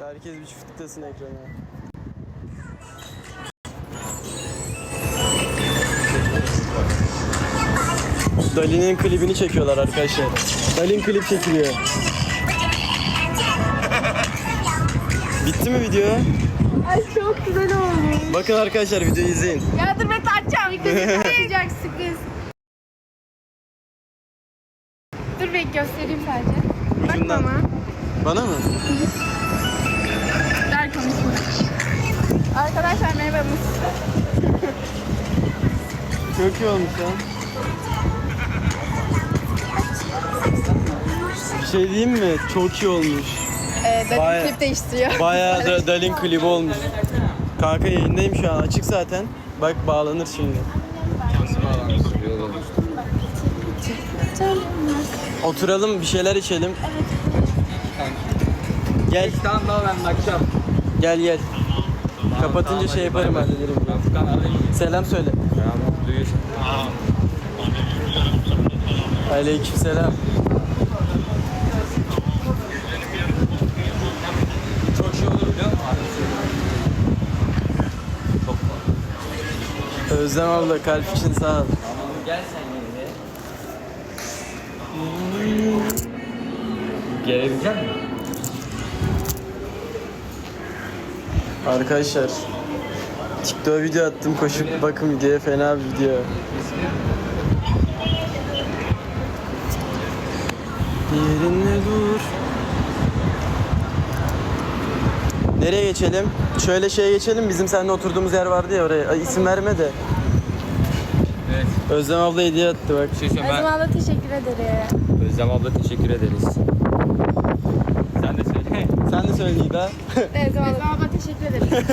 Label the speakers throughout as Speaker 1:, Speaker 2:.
Speaker 1: Herkes bir çiftliktesin ekrana. Dali'nin klibini çekiyorlar arkadaşlar. Dali'nin klip çekiliyor. Bitti mi video?
Speaker 2: Ay çok güzel olmuş.
Speaker 1: Bakın arkadaşlar videoyu izleyin.
Speaker 2: Ya dur ben açacağım. İlk önce açacak sürpriz. Dur ben göstereyim sadece.
Speaker 1: Ucundan.
Speaker 2: Bak bana.
Speaker 1: Bana mı?
Speaker 2: Der konuşma. Arkadaşlar merhabamız.
Speaker 1: Çok iyi olmuş ya. Bir şey diyeyim mi? Çok iyi olmuş.
Speaker 2: Dali klip değiştiriyor.
Speaker 1: Bayağı da Dalin klibi olmuş. Kanka yayındayım şu an. Açık zaten. Bak bağlanır şimdi. Oturalım bir şeyler içelim. Gel.
Speaker 3: Tamam ben bakacağım.
Speaker 1: Gel gel. Kapatınca şey yaparım hallederim. Selam söyle.
Speaker 3: Duyuyorsun.
Speaker 1: Aleykümselam.
Speaker 3: Çok şey olur biliyor musun? Çok fazla.
Speaker 1: Özlem abla kalp için sağ ol.
Speaker 3: Gel sen yine. Gelebilecek misin?
Speaker 1: Arkadaşlar TikTok'a video attım, koşup bakın videoya, fena bir video. Yerine dur. Nereye geçelim? Şöyle şeye geçelim, bizim seninle oturduğumuz yer vardı ya oraya. Ay, isim verme de.
Speaker 3: Evet.
Speaker 1: Özlem abla hediye attı bak.
Speaker 3: Bir şey söyleyeyim
Speaker 2: Özlem abla teşekkür ederim.
Speaker 3: Özlem abla teşekkür ederiz. Sen de söyle.
Speaker 1: Sen de söyle Nida.
Speaker 2: Özlem abla teşekkür ederim.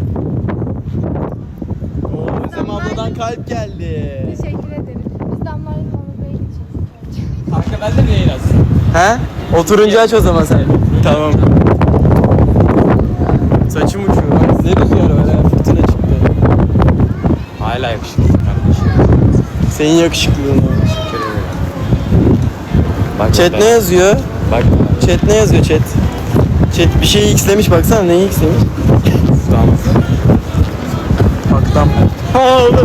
Speaker 1: Oo, Özlem abladan kalp geldi.
Speaker 2: Teşekkür ederim. Biz damlayla Anadolu'ya geçeceğiz.
Speaker 3: Kanka ben de mi yayın açsın?
Speaker 1: He? Oturunca aç o zaman sen. Tamam. Saçım uçuyor. Bak, ne rüzgar var ha, fırtına çıktı.
Speaker 3: Hala yakışıklı kardeşim.
Speaker 1: Senin yakışıklılığın var.
Speaker 3: Teşekkür ederim. Bak
Speaker 1: Chat ne yazıyor?
Speaker 3: Bak.
Speaker 1: Chat ne yazıyor chat? Chat bir şeyi x'lemiş, baksana neyi x'lemiş?
Speaker 3: Tamam.
Speaker 1: Aktam. Ha oğlum.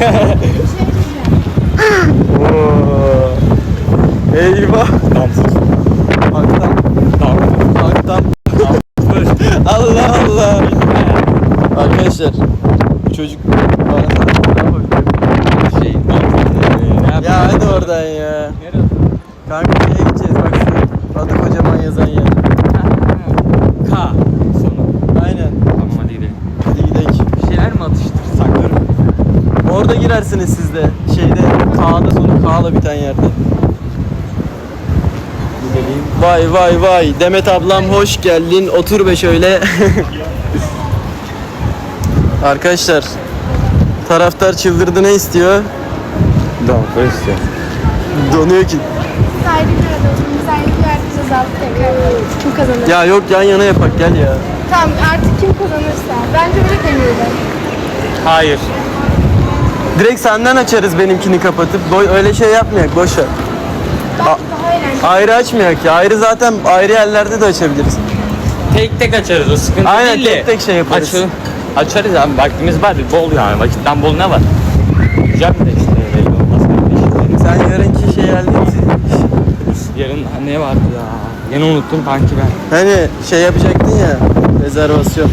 Speaker 1: Oo. Eyvah.
Speaker 3: Damsız.
Speaker 1: Aktam. Aktam. Allah Allah. Arkadaşlar bu çocuk bana
Speaker 3: Şey.
Speaker 1: ya hadi oradan ya. Kanka nereye gideceğiz bak şu adı kocaman yazan yer.
Speaker 3: K. Sonu.
Speaker 1: Aynen.
Speaker 3: Tamam hadi gidelim.
Speaker 1: Hadi gidelim.
Speaker 3: Bir şeyler mi atıştırsak?
Speaker 1: Orada girersiniz siz de. Şeyde K'da sonu K'la biten yerde.
Speaker 3: Gidelim.
Speaker 1: Vay vay vay. Demet ablam hoş geldin. Otur be şöyle. Arkadaşlar taraftar çıldırdı, ne istiyor?
Speaker 3: Damla istiyor.
Speaker 1: Donuyor ki.
Speaker 2: Sahibi aradım. Sahibi herkese alıp tekrar kim kazanır?
Speaker 1: Ya yok, yan yana yapak gel ya.
Speaker 2: Tamam artık kim kazanırsa. Bence öyle deneyelim.
Speaker 3: Hayır.
Speaker 1: Direkt senden açarız benimkini kapatıp. Öyle şey yapmayak, boş ver.
Speaker 2: Daha eğlenceli.
Speaker 1: Ayrı açmayak ya. Ayrı zaten ayrı yerlerde de açabiliriz.
Speaker 3: Tek tek açarız, o sıkıntı
Speaker 1: Aynen,
Speaker 3: değil de.
Speaker 1: tek tek şey yaparız.
Speaker 3: Açarız abi, vaktimiz var, bol yani, vakitten bol ne var? Güzel bir de işte, belli olmaz kardeşim.
Speaker 1: Sen yarınki şey hallet.
Speaker 3: Yarın ne vardı ya? Yine unuttum kanki ben.
Speaker 1: Hani şey yapacaktın ya, rezervasyon.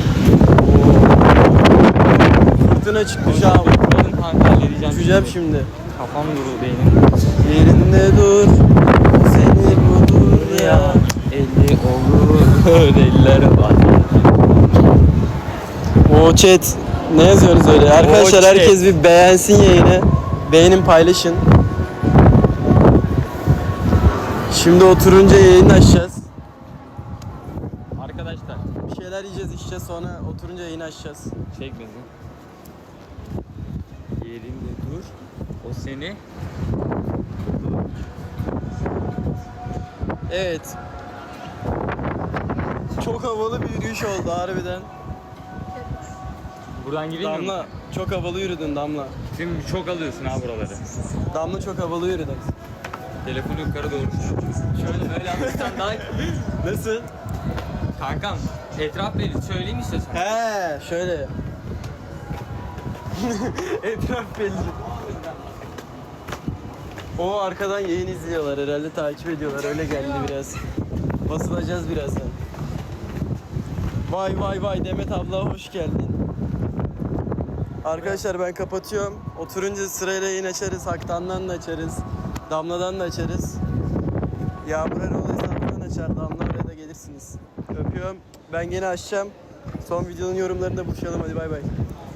Speaker 1: Fırtına çıktı şu an.
Speaker 3: Oğlum kanka halledeceğim.
Speaker 1: Uçacağım şimdi.
Speaker 3: Kafam duruldu benim.
Speaker 1: Yerinde dur, seni bulur ya.
Speaker 3: Elli olur, eller var.
Speaker 1: O chat, ne yazıyorsunuz öyle? Arkadaşlar
Speaker 3: chat.
Speaker 1: herkes bir beğensin yayını. Beğenin, paylaşın. Şimdi oturunca yayını açacağız.
Speaker 3: Arkadaşlar.
Speaker 1: Bir şeyler yiyeceğiz, içeceğiz, sonra oturunca yayını açacağız.
Speaker 3: Çek beni. Yerinde dur. O seni.
Speaker 1: Evet. Çok havalı bir yürüyüş oldu harbiden.
Speaker 3: Buradan gireyim mi?
Speaker 1: Damla, çok havalı yürüdün Damla.
Speaker 3: Şimdi çok alıyorsun ha buraları.
Speaker 1: Damla çok havalı yürüdün.
Speaker 3: Telefonu yukarı doğru. Şöyle böyle alırsan daha iyi.
Speaker 1: Nasıl?
Speaker 3: Kankam Etraf belli söyleyeyim istiyorsan.
Speaker 1: He şöyle. Etraf belli. O arkadan yayın izliyorlar herhalde, takip ediyorlar, öyle geldi biraz. Basılacağız birazdan. Vay vay vay, Demet abla hoş geldin. Arkadaşlar ben kapatıyorum. Oturunca sırayla yayın açarız. Haktan'dan da açarız. Damla'dan da açarız. Yağmur Erol hesabından açar. Damla oraya da gelirsiniz. Öpüyorum. Ben gene açacağım. Son videonun yorumlarında buluşalım. Hadi bay bay.